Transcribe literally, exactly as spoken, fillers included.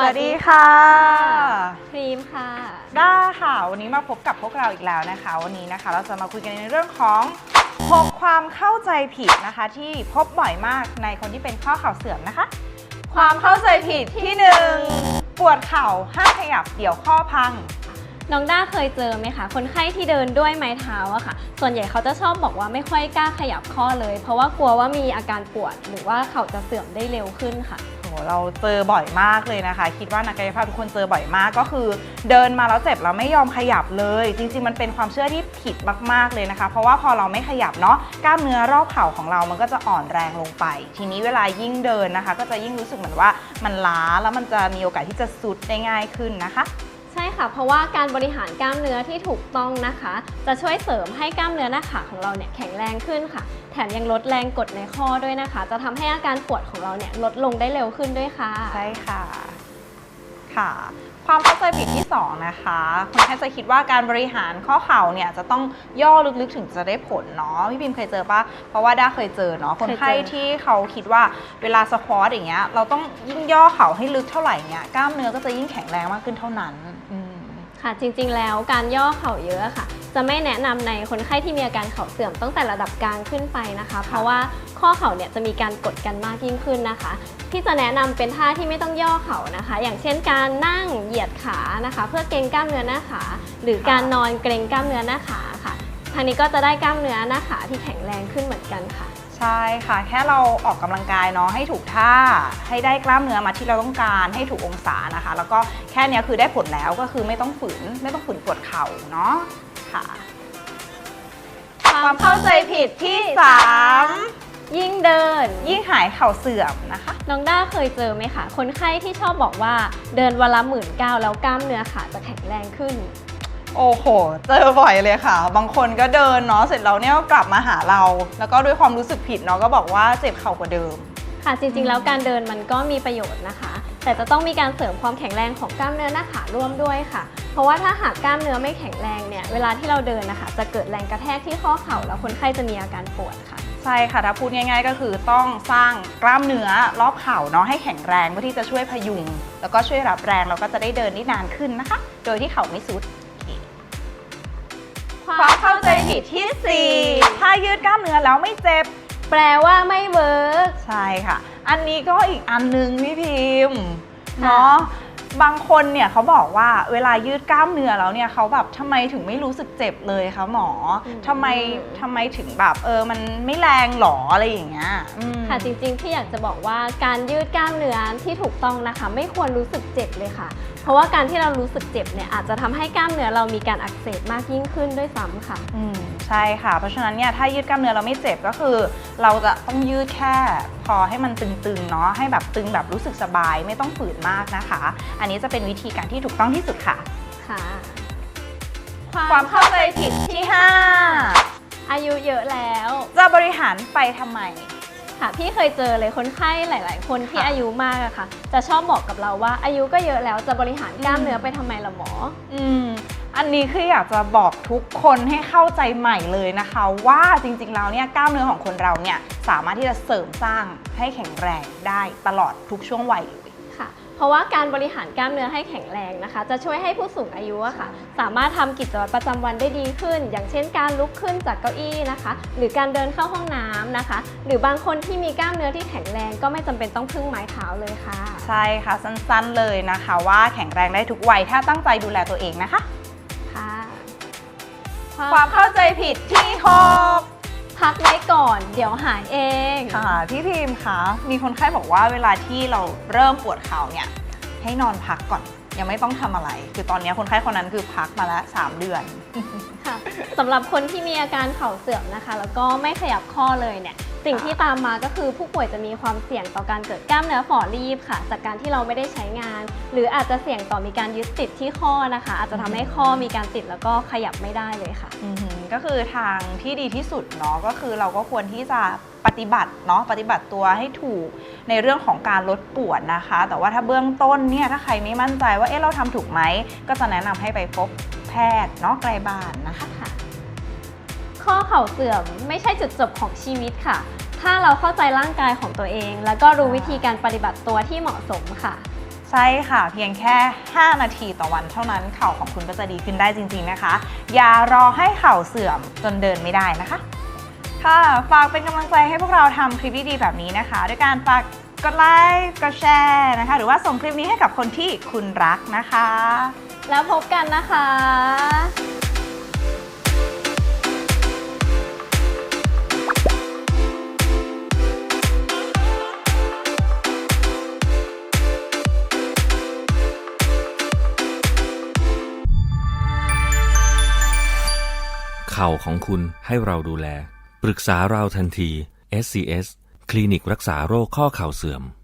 วัสดีค่ะครีมค่ะด้าค่ะวันนี้มาพบกับพวกเราอีกแล้วนะคะวันนี้นะคะเราจะมาคุยกันในเรื่องของหกความเข้าใจผิดนะคะที่พบบ่อยมากในคนที่เป็นข้อเข่าเสื่อมนะคะความเข้าใจผิดที่หนึ่งปวดเข่าห้ามขยับเดี๋ยวข้อพังน้องด้าเคยเจอไหมคะคนไข้ที่เดินด้วยไม้เท้าอะค่ะส่วนใหญ่เขาจะชอบบอกว่าไม่ค่อยกล้าขยับข้อเลยเพราะว่ากลัวว่ามีอาการปวดหรือว่าเข่าจะเสื่อมได้เร็วขึ้นค่ะโหเราเจอบ่อยมากเลยนะคะคิดว่านักกายภาพทุกคนเจอบ่อยมากก็คือเดินมาแล้วเจ็บแล้วไม่ยอมขยับเลยจริงๆมันเป็นความเชื่อที่ผิดมากๆเลยนะคะเพราะว่าพอเราไม่ขยับเนาะกล้ามเนื้อรอบเข่าของเรามันก็จะอ่อนแรงลงไปทีนี้เวลายิ่งเดินนะคะก็จะยิ่งรู้สึกเหมือนว่ามันล้าแล้วมันจะมีโอกาสที่จะซุดได้ง่ายขึ้นนะคะใช่ค่ะเพราะว่าการบริหารกล้ามเนื้อที่ถูกต้องนะคะจะช่วยเสริมให้กล้ามเนื้อหน้าขาของเราเนี่ยแข็งแรงขึ้นค่ะแถมยังลดแรงกดในข้อด้วยนะคะจะทำให้อาการปวดของเราเนี่ยลดลงได้เร็วขึ้นด้วยค่ะใช่ค่ะค่ะความเข้าใจผิดที่สองนะคะคนไข้จะคิดว่าการบริหารข้อเข่าเนี่ยจะต้องย่อลึกๆถึงจะได้ผลเนาะพี่พิมเคยเจอปะเพราะว่าด้าเคยเจอเนาะคนไข้ที่เขาคิดว่าเวลาสควอตอย่างเงี้ยเราต้องยิ่งย่อเข่าให้ลึกเท่าไหร่เงี้ยกล้ามเนื้อก็จะยิ่งแข็งแรงมากขึ้นเท่านั้นค่ะจริงๆแล้วการย่อเข่าเยอะค่ะจะไม่แนะนำในคนไข้ที่มีอาการเข่าเสื่อมตั้งแต่ระดับกลางขึ้นไปนะคะเพราะว่าข้อเข่าเนี่ยจะมีการกดกันมากยิ่งขึ้นนะคะที่จะแนะนำเป็นท่าที่ไม่ต้องย่อเข่านะคะอย่างเช่นการนั่งเหยียดขานะคะเพื่อเกร็งกล้ามเนื้อหน้าขาหรือการนอนเกร็งกล้ามเนื้อหน้าขาค่ะทางนี้ก็จะได้กล้ามเนื้อหน้าขาที่แข็งแรงขึ้นเหมือนกันค่ะใช่ค่ะแค่เราออกกำลังกายเนาะให้ถูกท่าให้ได้กล้ามเนื้อมาที่เราต้องการให้ถูกองศานะคะแล้วก็แค่นี้คือได้ผลแล้วก็คือไม่ต้องฝืนไม่ต้องฝืนปวดเข่าเนาะค่ะความเข้าใจผิดที่สามยิ่งเดินยิ่งหายเข่าเสื่อมนะคะน้องด้าเคยเจอไหมคะคนไข้ที่ชอบบอกว่าเดินวันละหมื่นเก้าแล้วกล้ามเนื้อขาจะแข็งแรงขึ้นโอ้โหเจอบ่อยเลยค่ะบางคนก็เดินเนาะเสร็จแล้วเนี่ยก็กลับมาหาเราแล้วก็ด้วยความรู้สึกผิดเนาะก็บอกว่าเจ็บเข่ากว่าเดิมค่ะจริงๆแล้วการเดินมันก็มีประโยชน์นะคะแต่จะต้องมีการเสริมความแข็งแรงของกล้ามเนื้อหน้าขาร่วมด้วยค่ะเพราะว่าถ้าหากกล้ามเนื้อไม่แข็งแรงเนี่ยเวลาที่เราเดินนะคะจะเกิดแรงกระแทกที่ข้อเข่าแล้วคนไข้จะมีอาการปวดค่ะใช่ค่ะถ้าพูดง่ายๆก็คือต้องสร้างกล้ามเนื้อรอบเข่าเนาะให้แข็งแรงเพื่อที่จะช่วยพยุงแล้วก็ช่วยรับแรงแล้วก็จะได้เดินได้นานขึ้นนะคะโดยที่เข่าไม่สุดความเข้าใจผิดที่สี่ถ้ายืดกล้ามเนื้อแล้วไม่เจ็บแปลว่าไม่เวิร์กใช่ค่ะอันนี้ก็อีกอันนึงพี่พิมพ์เนาะบางคนเนี่ยเขาบอกว่าเวลายืดกล้ามเนื้อแล้วเนี่ยเขาแบบทำไมถึงไม่รู้สึกเจ็บเลยคะหมอทำไมทำไมถึงแบบเออมันไม่แรงหรออะไรอย่างเงี้ยค่ะจริงๆที่อยากจะบอกว่าการยืดกล้ามเนื้อที่ถูกต้องนะคะไม่ควรรู้สึกเจ็บเลยค่ะเพราะว่าการที่เรารู้สึกเจ็บเนี่ยอาจจะทำให้กล้ามเนื้อเรามีการอักเสบมากยิ่งขึ้นด้วยซ้ำค่ะอืมใช่ค่ะเพราะฉะนั้นเนี่ยถ้ายืดกล้ามเนื้อเราไม่เจ็บก็คือเราจะต้องยืดแค่พอให้มันตึงๆเนาะให้แบบตึงแบบรู้สึกสบายไม่ต้องฝืนมากนะคะอันนี้จะเป็นวิธีการที่ถูกต้องที่สุดค่ะค่ะความเข้าใจผิดที่ห้าอายุเยอะแล้วจะบริหารไปทำไมค่ะพี่เคยเจอเลยคนไข้หลายๆคนที่อายุมากอะค่ะจะชอบบอกกับเราว่าอายุก็เยอะแล้วจะบริหารกล้ามเนื้อไปทำไมล่ะหมออืมอันนี้คืออยากจะบอกทุกคนให้เข้าใจใหม่เลยนะคะว่าจริงๆแล้วเนี่ยกล้ามเนื้อของคนเราเนี่ยสามารถที่จะเสริมสร้างให้แข็งแรงได้ตลอดทุกช่วงวัยเลยค่ะเพราะว่าการบริหารกล้ามเนื้อให้แข็งแรงนะคะจะช่วยให้ผู้สูงอายุอะค่ะสามารถทำกิจวัตรประจำวันได้ดีขึ้นอย่างเช่นการลุกขึ้นจากเก้าอี้นะคะหรือการเดินเข้าห้องน้ำนะคะหรือบางคนที่มีกล้ามเนื้อที่แข็งแรงก็ไม่จำเป็นต้องพึ่งไม้เท้าเลยค่ะใช่ค่ะสั้นๆเลยนะคะว่าแข็งแรงได้ทุกวัยถ้าตั้งใจดูแลตัวเองนะคะค่ะความเข้าใจผิดที่หกพักไว้ก่อนเดี๋ยวหายเองค่ะพี่พิมพ์คะมีคนไข้บอกว่าเวลาที่เราเริ่มปวดเข่าเนี่ยให้นอนพักก่อนยังไม่ต้องทำอะไรคือตอนนี้คนไข้คนนั้นคือพักมาแล้วสามเดือนค่ะสำหรับคนที่มีอาการเข่าเสื่อมนะคะแล้วก็ไม่ขยับข้อเลยเนี่ยสิ่งที่ตามมาก็คือผู้ป่วยจะมีความเสี่ยงต่อการเกิดกล้ามเนื้อฝ่อรีบค่ะจากการที่เราไม่ได้ใช้งานหรืออาจจะเสี่ยงต่อมีการยึดติดที่ข้อนะคะอาจจะทำให้ข้อมีการติดแล้วก็ขยับไม่ได้เลยค่ะก็คือทางที่ดีที่สุดเนาะก็คือเราก็ควรที่จะปฏิบัติเนาะปฏิบัติตัวให้ถูกในเรื่องของการลดปวดนะคะแต่ว่าถ้าเบื้องต้นเนี่ยถ้าใครไม่มั่นใจว่าเอ๊ะเราทำถูกไหมก็จะแนะนำให้ไปพบแพทย์เนาะไกลบ้านนะคะข้อเข่าเสื่อมไม่ใช่จุดจบของชีวิตค่ะถ้าเราเข้าใจร่างกายของตัวเองแล้วก็รู้วิธีการปฏิบัติตัวที่เหมาะสมค่ะใช่ค่ะเพียงแค่ ห้า นาทีต่อวันเท่านั้นเข่าของคุณก็จะดีขึ้นได้จริงๆนะคะอย่ารอให้เข่าเสื่อมจนเดินไม่ได้นะคะค่ะฝากเป็นกำลังใจให้พวกเราทำคลิปดีๆแบบนี้นะคะด้วยการฝากกดไลค์กดแชร์นะคะหรือว่าส่งคลิปนี้ให้กับคนที่คุณรักนะคะแล้วพบกันนะคะเข่าของคุณให้เราดูแลปรึกษาเราทันที เอส ซี เอส คลินิกรักษาโรคข้อเข่าเสื่อม